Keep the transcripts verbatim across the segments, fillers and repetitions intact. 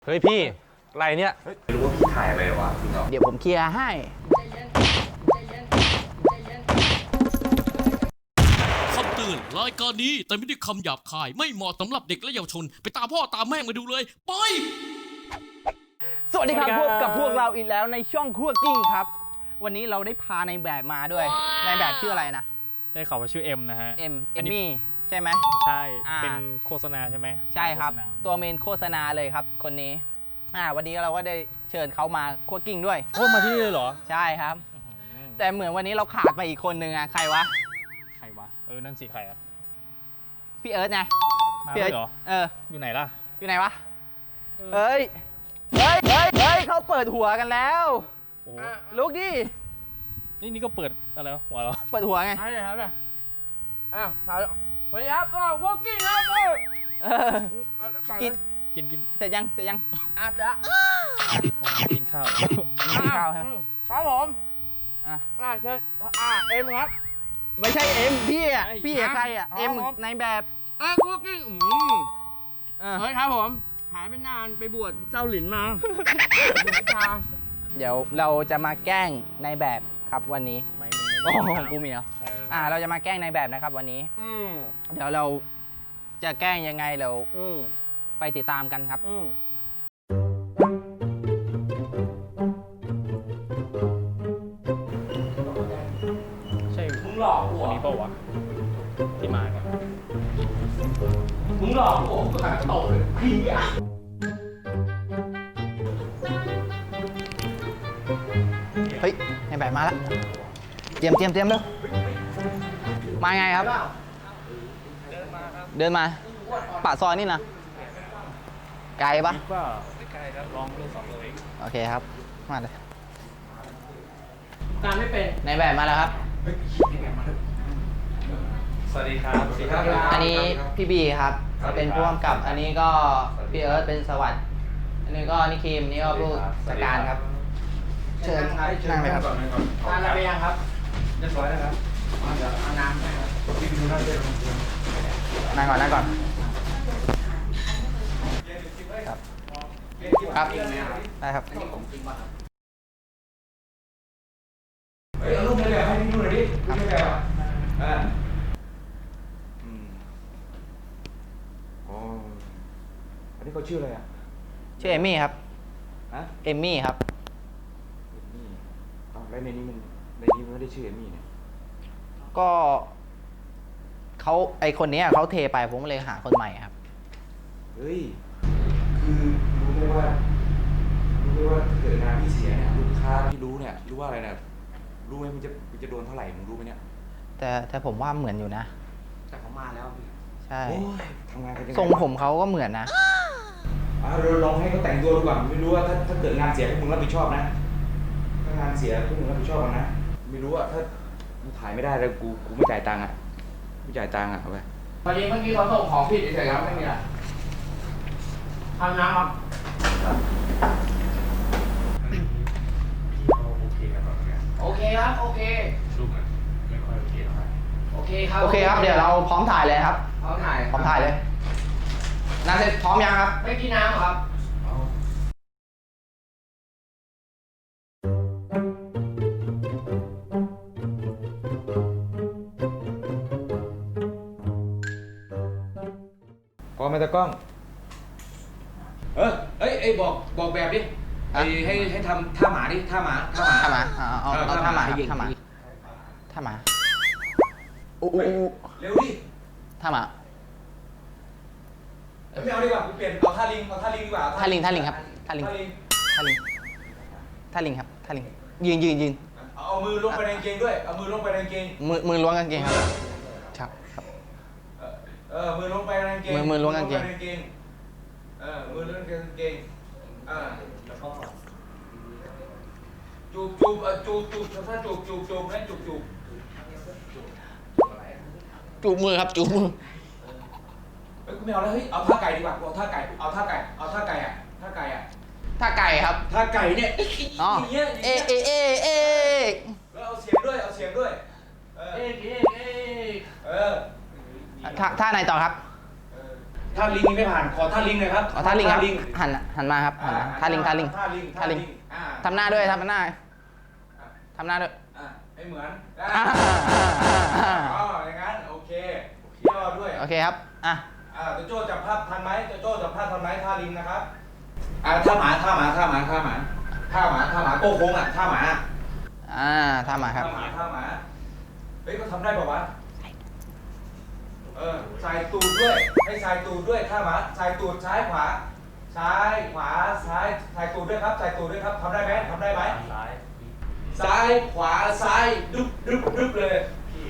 เฮ้ยพี่อะไรเนี่ยไม่รู้ว่าพี่ถ่ายอะไรวะพี่เนาะเดี๋ยวผมเคลียร์ให้คำเตือนรายการนี้แต่ไม่ได้คำหยาบคายไม่เหมาะสำหรับเด็กและเยาวชนไปตามพ่อตามแม่มาดูเลยไปสวัสดีครับพบกับพวกเราอีกแล้วในช่องคั่วกิ้งครับวันนี้เราได้พาในแบบมาด้วยในแบบชื่ออะไรนะได้ข่าวว่าชื่อเอ็มนะฮะเอ็มเอมมี่ใช่ไหมใช่เป็นโฆษณาใช่ไหมใช่ครับตัวเมนโฆษณาเลยครับคนนี้อ่าวันนี้เราก็ได้เชิญเขามาคั่วกิ้งด้วยโอ้มาที่นี่เลยเหรอใช่ครับแต่เหมือนวันนี้เราขาดไปอีกคนนึงอ่ะใครวะใครวะเออนั่นสิใครอ่ะพี่เอิร์ธไงมาเลยเหรอเอออยู่ไหนล่ะอยู่ไหนวะเฮ้ยเฮ้ยเฮ้ยเฮ้ยเขาเปิดหัวกันแล้วลุกดินี่นี่ก็เปิดอะไรหัวเหรอเปิดหัวไงใช่ครับเนี่ยอ้าวสวัสดีครับก็วอล์กิ้งครับเออกินกินกินเสร็จยังเสร็จยังอาจจะกินข้าวกินข้าวครับครับผมอ่ะอ่าเชิญอ่าเอ็มครับไม่ใช่เอ็มพี่อ่ะพี่ใครอ่ะเอ็มในแบบอ่ะวอล์กิ้งอืมเฮ้ยครับผมหายไปนานไปบวชเจ้าหลินมาเดี๋ยวเราจะมาแกล้งในแบบครับวันนี้ไม่โอ้กูมีเหรออ่าเราจะมาแกล้งในแบบนะครับวันนี้เดี๋ยวเราจะแกล้งยังไงเราไปติดตามกันครับใช่มึงหลอกกูคนนี้เปล่าวะที่มากันมึงหลอกกูกูหันตกเลยพี่อ่ะเฮ้ยในแบบมาแล้วเตรียมเตรียมเตรียมเร็วมาไงครับเดินมาปากซอยนี่นะไกลปะก็ไม่ไกลครับลองดูสองเลยโอเคครับมาเลยการไม่เป็นในแบบมาแล้วครับสวัสดีครับสวัสดีครับอันนี้พี่บีครับเป็นผู้กำกับอันนี้ก็พี่เอิร์ธเป็นสวัสดิ์อันนี้ก็นิคิมนี่ก็ผู้จัดการครับเชิญนั่งเลยครับทานอะไรยังครับเรียบร้อยแล้วครับเดี๋ยวเอาน้ำให้ครับนั่งก่อนนั่งก่อนครับครับได้ครับเฮ้ยเอารูปในแบบให้พี่ดูหน่อยดิรูปในแบบอ่าอืมอ๋ออันนี้เขาชื่ออะไรอ่ะชื่อเอมมี่ครับฮะเอมมี่ครับเอมมี่อ้าวแล้วในนี้มันในนี้มันไม่ได้ชื่อเอมมี่เนี่ยก็เขาไอคนนี้เขาเทไปผมเลยหาคนใหม่ครับเฮ้ยคือรู้ไหมว่ารู้ไหมว่าเกิดงานพี่เสียเนี่ยลูกค้าพี่รู้เนี่ยรู้ว่าอะไรเนี่ยรู้ไหมมันจะมันจะโดนเท่าไหร่มึงรู้ไหมเนี่ยแต่แต่ผมว่าเหมือนอยู่นะแต่เขามาแล้วพี่ใช่ทำงานกันยังไงทรงผมเขาก็เหมือนนะอ่าเราลองให้เขาแต่งตัวดูก่อนไม่รู้ว่าถ้าถ้าเกิดงานเสียพวกมึงรับผิดชอบนะถ้างานเสียพวกมึงรับผิดชอบนะไม่รู้ว่าถ้ามึงถ่ายไม่ได้แล้วกูกูไม่จ่ายตังค์อ่ะไม่จ่ายตังค์อ่ะเอาไปพอดีเมื่อกี้เขาส่งของผิดเฉยๆครับไม่มีอะไรทำน้ำครับโอเคครับโอเครูปมันไม่ค่อยโอเคเท่าไหร่โอเคครับโอเคครับเดี๋ยวเราพร้อมถ่ายเลยครับพร้อมถ่ายพร้อมถ่ายเลยน้ำเสร็จพร้อมยังครับไม่กินน้ำครับพร้อมไหมตากล้องเออเอ้ยไอ้บอกบอกแบบดิไอ้ให้ให้ทำท่าหมาดิท่าหมาท่าหมาท่าหมาเอาเอาท่าหมาท่าหมาท่าหมาโอ้โหเร็วดิท่าหมาไม่เอาดีกว่ากูเปลี่ยนเอาท่าลิงเอาท่าลิงดีกว่าท่าลิงท่าลิงครับท่าลิงท่าลิงท่าลิงครับท่าลิงยืนยืนยืนเอามือลงไปในกางเกงด้วยเอามือลงไปในกางเกงมือมือล้วงกางเกงครับครับครับเออมือลงไปในกางเกงมือมือล้วงกางเกงเออมือล้วงกางเกงอ่าจูบจูบจูบจูบถ้าจูบจูบจูบนะจูบจูบจูบมือครับจูบมือเฮ้ยกูไม่เอาแล้วเฮ้ยเอาท่าไก่ดีกว่าเอาท่าไก่เอาท่าไก่เอาท่าไก่อ่ะท่าไก่อ่ะท่าไก่ครับท่าไก่เนี่ยอ๋อเอเอเอเอแล้วเอาเสียงด้วยเอาเสียงด้วยเอ๊ะเอ๊ะเอ๊ะเออท่าท่าไหนต่อครับถ้าลิงนี่ไม่ผ่านขอท่าลิงหน่อยครับอ๋อท่าลิงครับหันหันมาครับหันมาท่าลิงท่าลิงท่าลิงท่าลิงอ่าทำหน้าด้วยทำหน้าทำหน้าด้วยอ่าให้เหมือนอ่าอ๋ออย่างนั้นโอเคเที่ยวด้วยโอเคครับอ่ะอ่าโจโจ้จับภาพทันไหมโจโจ้จับภาพทันไหมท่าลิงนะครับอ่าท่าหมาท่าหมาท่าหมาท่าหมาท่าหมาท่าหมาโก้โค้งอ่ะท่าหมาอ่าท่าหมาครับท่าหมาท่าหมาเฮ้ยก็ทำได้ป่าวะเออสายตูดด้วยให้สายตูดด้วยท่าหมาสายตูดซ้ายขวาซ้ายขวาซ้ายสายตูดด้วยครับสายตูดด้วยครับทำได้ไหมทำได้ไหมซ้ายซ้ายขวาซ้ายดึ๊บดึ๊บดึ๊บเลยพี่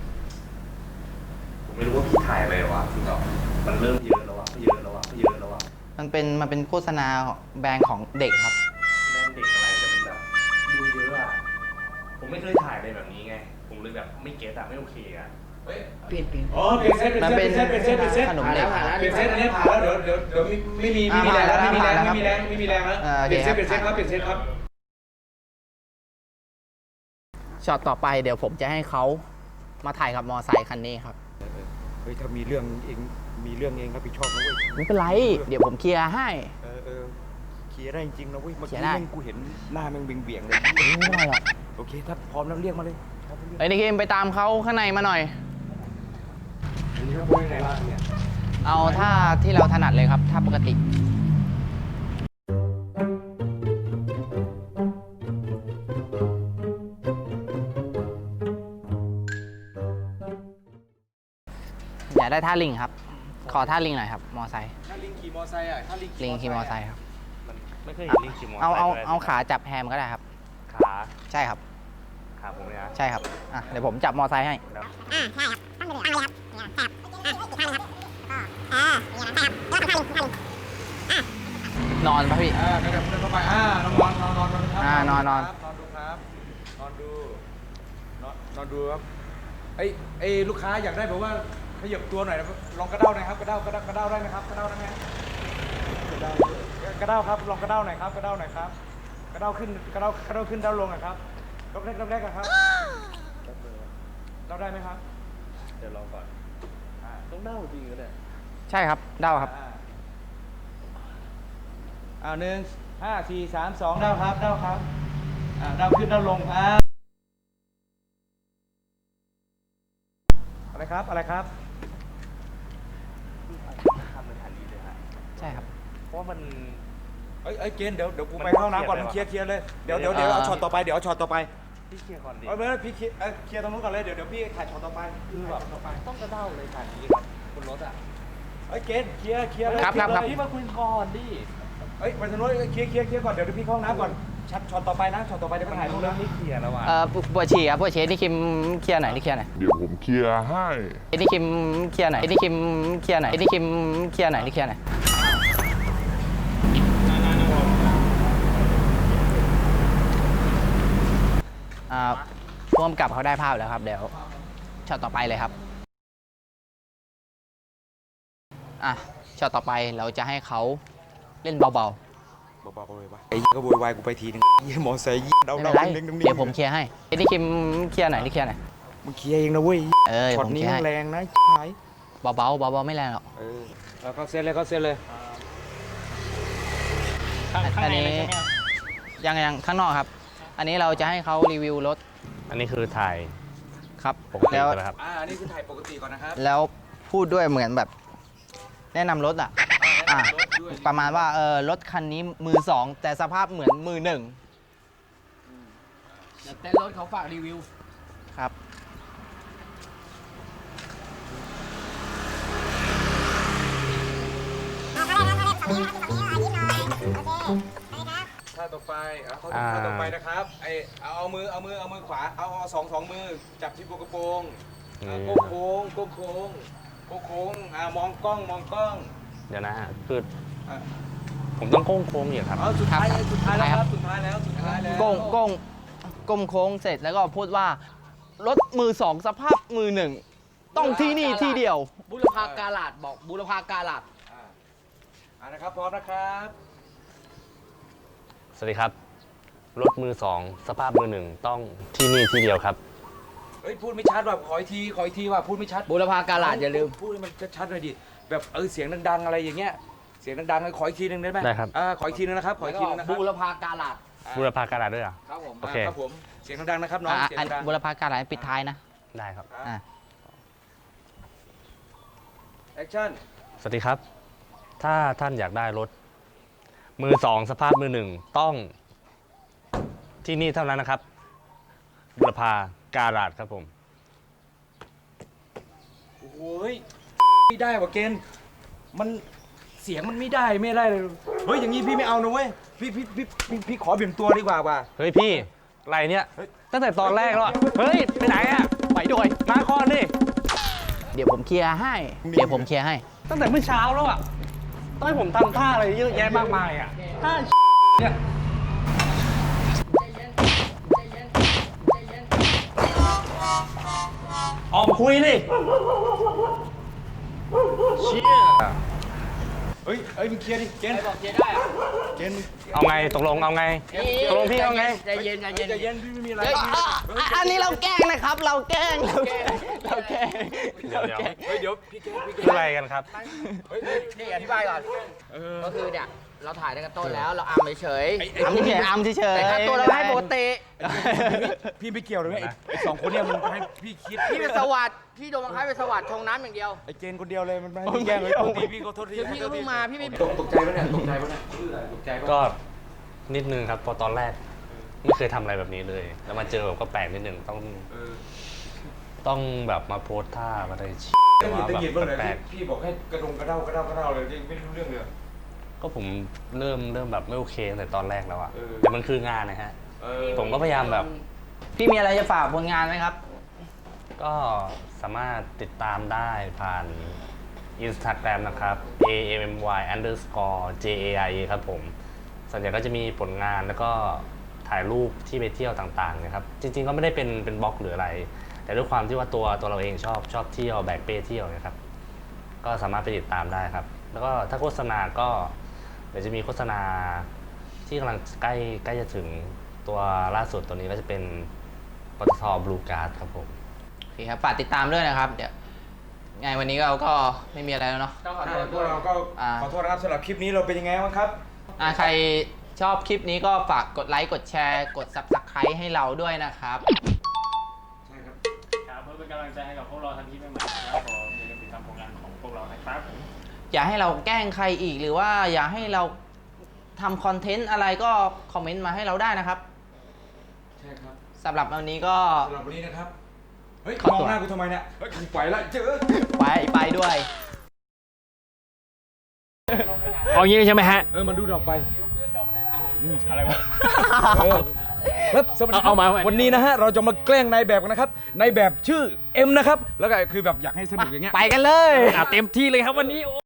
ผมไม่รู้ว่าพี่ถ่ายอะไรวะพี่ต่อมันเริ่มเยอะแล้ววะเยอะแล้ววะเยอะแล้ววะมันเป็นมันเป็นโฆษณาของแบรนด์ของเด็กครับแม่งเด็กอะไรแต่มันแบบดูเยอะอะผมไม่เคยถ่ายอะไรแบบนี้ไง ผมเลยแบบไม่เก็ตอะไม่โอเคอะเฮ้ยเปลี่ยนเปลี่ยนอ๋อเปลี่ยนเซตเปลี่ยนมันเซเป็นตเปลี่ยนเซตเปลี่ยนเซตขนมเด็กเปลี่ยนเซตอันนี้ผ่านแล้วเดี๋ยวเดี๋ยวเดี๋ยวไม่มีไม่มีแรงแล้วไม่มีแรงไม่มีแรงไม่มีแรงแล้วอ่าโอเปเคลี่ยนเซตครับเปลี่ยนเซตครับเปลี่ยนเซตครับช็อตต่อไปเดี๋ยวผมจะให้เขามาถ่ายกับมอไซค์คันนี้ครับเฮ้ยถ้ามีเรื่องเองมีเรื่องเองรับผิดชอบนะเว้ยไม่เป็นไร เดี๋ยวผมเคลียร์ให้เออเออเคลียร์ได้จริงๆนะเว้ยเมื่อเคลีกี้ยร์ได้แม่งกูเห็นหน้าแม่งเบี่ยงๆเลยไม่เป็นไรหรอกโอเคถ้าพร้อมแล้วเรียกมาเลยไอ้นี่คิมไปตามเขาข้างในมาหน่อยอันนี้เขาพูดยังไงบ้างเนี่ยเอาท่าที่เราถนัดเลยครับท่าปกติ อยากได้ท่าลิงครับ ขอท่าลิงหน่อยครับ มอไซค์ถ้าลิงขี่มอไซค์อ่ะถ้าลิงลิงขี่มอไซค์ครับมันไม่เคยเห็นลิงขี่มอเตอร์ไซค์เอาเอาด้วยเอาขาจับแฮมก็ได้ครับขาใช่ครับขาผมเนี่ยนะใช่ครับ อ่ะ เดี๋ยวผมจับมอไซค์ให้แล้วอ่าใช่ครับตั้งไปเลยตั้งเลยครับเนี่ยครับอ่ะอีกข้างเลยครับก็เอออย่างนั้นครับแล้วก็ท่าลิงท่าลิงนอนปะพี่อ่ากระดับเดินเข้าไปอ่านอนนอนนอนนอนครับอ่านอนนอนนอนดูครับนอนดูนอนนอนดูครับไอ้ไอ้ลูกค้าอยากได้แบบว่าขยับตัวหน่อยนะลองกระเด้าหน่อยครับกระเด้ากระเด้ากระเด้าได้ไหมครับกระเด้าได้ไหมกระเด้ากระเด้าครับลองกระเด้าหน่อยครับกระเด้าหน่อยครับกระเด้าขึ้นกระเด้ากระเด้าขึ้นเด้าลงหน่อยครับรอบแรกรอบแรกอะครับเด้าได้ไหมครับเดี๋ยวรอก่อนอ่าต้องเน่าจริงก็ได้ใช่ครับ เด้าครับอ่าอ่าหนึ่งห้าสี่สามสองเด้าครับเด้าครับอ่าเด้าขึ้นเด้าลงอ่าอะไรครับอะไรครับทำเป็นทันทีเลยฮะใช่ครับเพราะว่ามันเอ้ยเอ้ยเกณฑ์เดี๋ยวเดี๋ยวกูมันไปเข้าห้องน้ำก่อนเครียดเคลียร์เคลียร์เลยเดี๋ยวเดี๋เดี๋ยยว วเดี๋ยวเอาอ่าช็อตต่อไปเดี๋ยวเอาช็อตต่อไปพี่เคลียร์ก่อนดิเอาไม่พี่เคลียร์เอ้ยเคลียร์ตรงนู้นก่อนเลยเดี๋ยวเดี๋ยวพี่ถ่ายช็อตต่อไปคือแบบต่อไปต้องกระเด้าเลยถ่ายนี้ครับบนรถอ่ะเอ้ยเกณฑ์เคลียร์เคลียร์เลยครับครับครับพี่มาคุยก่อนดิเอ้ยไปทางนู้นเคลียร์เคลียร์เคลียร์ก่อนเดี๋ยวเดี๋ยวพี่เข้าห้องน้ำก่อนช็อตช็อตต่อไปนะช็อตต่อไปเดี๋ยวไปถ่ายรูปเริ่นะมไม่เคลียร์แล้วอ่ะเอ่อปวดฉี่ครับปวดฉี่นี่คิมเคลียร์หน่อยนี่เคลียร์หน่อยเดี๋ยวผมเคลียร์ให้นี่คิมเคลียร์หน่อยนี่คิมเคลียร์หน่อยนี่คิมเคลียร์หน่อยนี่เคลียร์หน่อยอ่าพ่วงกับเขาได้ภาพแล้วครับ เดี๋ยวช็อตต่อไปเลยครับอ่ะช็อตต่อไปเราจะให้เขาเล่นเบาเบาๆเลยวะไอ้เหี้ยก็โวยวายกูไปทีนึงเยี่ยมอไซค์เยี่ยๆเดาไม่เดาเป็นไรเด้งๆเดี๋ยวผมเคลียร์ให้นี่คิมเคลียร์หน่อยนี่เคลียร์หน่อยมึงเคลียร์เองนะเว้ยเออเดี๋ยวช็อตผมนี้เคลียร์ให้แรงนะหายเบาๆเบาๆไม่แรงหรอกเออแล้วเขาเซ็ตเลยเขาเซ็ตเลยข้างข้างในเลยใช่ไหมยังยังข้างนอกครับ อันนี้เราจะให้เขารีวิวรถอันนี้คือถ่ายครับปกติแล้วใช่ไหมครับอ่าอันนี้คือถ่ายปกติก่อนนะครับแล้วพูดด้วยเหมือนแบบ แนะนำรถอ่ะอ่ะรถด้วยประมาณว่าเออรถคันนี้มือสองแต่สภาพเหมือนมือหนึ่งเดี๋ยวเต้นรถเขาฝากรีวิวครับเอาเขาเลยนะเขาเลยฝั่งนี้นะฝั่งนี้อ่ะยิ้มหน่อยโอเคไปครับท่าต่อไปเอาท่าอ่าต่อไปนะครับไอเอาเอามือเอามือเอามือขวาเอาเอาสองสองมือจับที่กระโปรงอ่าโก้โค้งโก้โค้งโก้โค้งอ่ามองกล้องมองกล้องเดี๋ยวนะฮะคืออ่ะผมต้องโค้งโค้งอยู่ครับเอาสุดท้ายครับสุดท้ายแล้วคครัรับ บสุดท้ายแล้วสุดท้ายแล้วก้งก้งก้มโค้งเสร็จแล้วก็พูดว่า รถมือสองสภาพมือหนึ่งต้องที่นี่ที่เดียวบุรพาการาดบอกบุรพาการาดอ่าอ่านะครับพร้อมนะครับสวัสดีครับ รถมือสองสภาพมือหนึ่งต้องที่นี่ที่เดียวครับเฮ้ยพูดไม่ชัดว่ะขออีกทีขออีกทีว่ะพูดไม่ชัดบุรพาการาดอย่าลืมพูดให้มันชัดๆหน่อยดิแบบเออเสียงดังๆอะไรอย่างเงี้ยเสียงดังๆขออีกทีนึงได้ไหมได้ครับอ่าขออีกทีนึงนะครับขออีกทีนึงนะครับบูรพาการาดบูรพาการาด้วยเหรอครับผมโอเคครับผมเสียงดังๆนะครับน้องอ่ะเสียงอันดังบุรพาการหลายปิดท้ายนะได้ครับอ่ะแอคชั่นสวัสดีครับ ถ้าท่านอยากได้รถ มือสองสภาพมือหนึ่งต้องที่นี่เท่านั้นนะครับบุรพาการาดครับผมโอ้โหยไม่ได้ว่ะเกณฑ์มันเสียงมันไม่ได้ไม่ได้เลยเฮ้ยอย่างนี้พี่ไม่เอานะเว้ยพี่พี่พี่พี่พี่ขอเปลี่ยนตัวดีกว่าว่ะเฮ้ยพี่อะไรเนี่ยตั้งแต่ตอนแรกแล้วอะเฮ้ย ไปไหนอะไปด้วยมาก่อนดิเดี๋ยวผมเคลียร์ให้ เดี๋ยวผมเคลียร์ให้ตั้งแต่เมื่อเช้าแล้วอะต้องให้ผมทำท่าอะไรเยอะแยะมากมายอะท่าเนี่ย ออกมาคุยดิเชี่ยเฮ้ยเฮ้ยมึงเคลียร์ดิเกณฑ์บอกเคลียร์ได้อะเกณฑ์มึงเอาไงตกลงเอาไง ตกลงพี่เอาไงใจเย็นใจเย็นใจเย็นพี่ไม่มีอะไรเฮ้ยอ่ะอ่ะอันนี้เราแกล้งนะครับ เราแกล้ง เราแกล้ง เราแกล้งเดี๋ยวเดี๋ยวเฮ้ยเดี๋ยวพี่เกณฑ์พี่เกคือณฑ์อะไรกันครับเฮ้ยเฮ้ยนี่อธิบายก่อนเออก็คือเนี่ยเราถ่ายตั้งแต่ต้นแล้วเราอัมเฉยไอ้ไอ้อัมเฉยๆอัมเฉยๆแต่ค่าตัวเราให้ปกติพี่ไม่เกี่ยวเลยไอ้ไอ้สองคนเนี่ยมันให้พี่คิดพี่เป็นสวัสดิ์พี่โดนบังคับเป็นสวัสดิ์ชงน้ำอย่างเดียวไอ้เกณฑ์คนเดียวเลยมันไม่ให้พี่แกล้งเลยโทษทีพี่ก็โทษทีคือพี่ก็เพิ่งมาพี่ไม่ตกตกใจปะเนี่ยตกใจปะเนี่ยตกใจปะก็นิดนึงครับพอตอนแรก ไม่เคยทำอะไรแบบนี้เลย แล้วมาเจอแบบก็แปลกนิดนึงต้องเออต้องแบบมาโพสท่ามาอะไรชี้ตะหงิดว่าตะแบบหงิดบ้างเลยแปลกพี่บอกให้กระดงกระเด้ากระเด้ากระเด้าเลยไม่รู้เรื่องเลยๆก็ผมเริ่มเริ่มแบบไม่โอเคตั้งแต่ตอนแรกแล้วอะเออแต่มันคืองานนะฮะเออผมก็พยายามแบบพี่มีอะไรจะฝากผลงานไหมครับก็สามารถติดตามได้ผ่าน Instagram นะครับ a m m y underscore j a i ครับผม ส่วนใหญ่ก็จะมีผลงานแล้วก็ถ่ายรูปที่ไปเที่ยวต่างๆนะครับ จริงๆ ก็ไม่ได้เป็นเป็นบล็อกหรืออะไร แต่ด้วยความที่ว่าตัวตัวเราเองชอบชอบเที่ยวแบกเป้เที่ยวนะครับ ก็สามารถไปติดตามได้ครับ แล้วก็ถ้าโฆษณาก็เดี๋ยวจะมีโฆษณาที่กำลังใกล้ใกล้จะถึงตัวล่าสุดตัวนี้ก็จะเป็นปตทบลูการ์ดครับผมโอเคครับ ฝากติดตามด้วยนะครับ เดี๋ยวไงวันนี้เราก็ไม่มีอะไรแล้วเนาะต้องขอโทษพวกเราก็อ่าขอโทษนะครับสำหรับคลิปนี้เราเป็นยังไงบ้างครับอ่ะใครชอบคลิปนี้ก็ฝากกดไลค์ กดแชร์ กด ซับสไครบ์ ให้เราด้วยนะครับใช่ครับครับเพื่อเป็นกำลังใจให้กับพวกเราทำคลิปใหม่ๆนะครับผมอย่าลืมติดตามผลงานของพวกเรานะครับอย่าให้เราแกล้งใครอีกหรือว่าอย่าให้เราทำคอนเทนต์อะไรก็คอมเมนต์มาให้เราได้นะครับใช่ครับสำหรับวันนี้ก็สำหรับวันนี้นะครับ เฮ้ยขอมองตัวหน้ากูทำไมเนี่ย เฮ้ยกูไปละเจอไปไปด้วยเอางี้ใช่ไหมฮะเออมันดูดอกไปอะไรวะเออครับสวัสดีคเอารับเอามาเอามาวันนี้นะฮะเราจะมาแกล้งนายแบบกันนะครับนายแบบชื่อเอ็มนะครับ แล้วก็คือแบบอยากให้สนุกอย่างเงี้ยไปกันเลยเต็มที่เลยครับวันนี้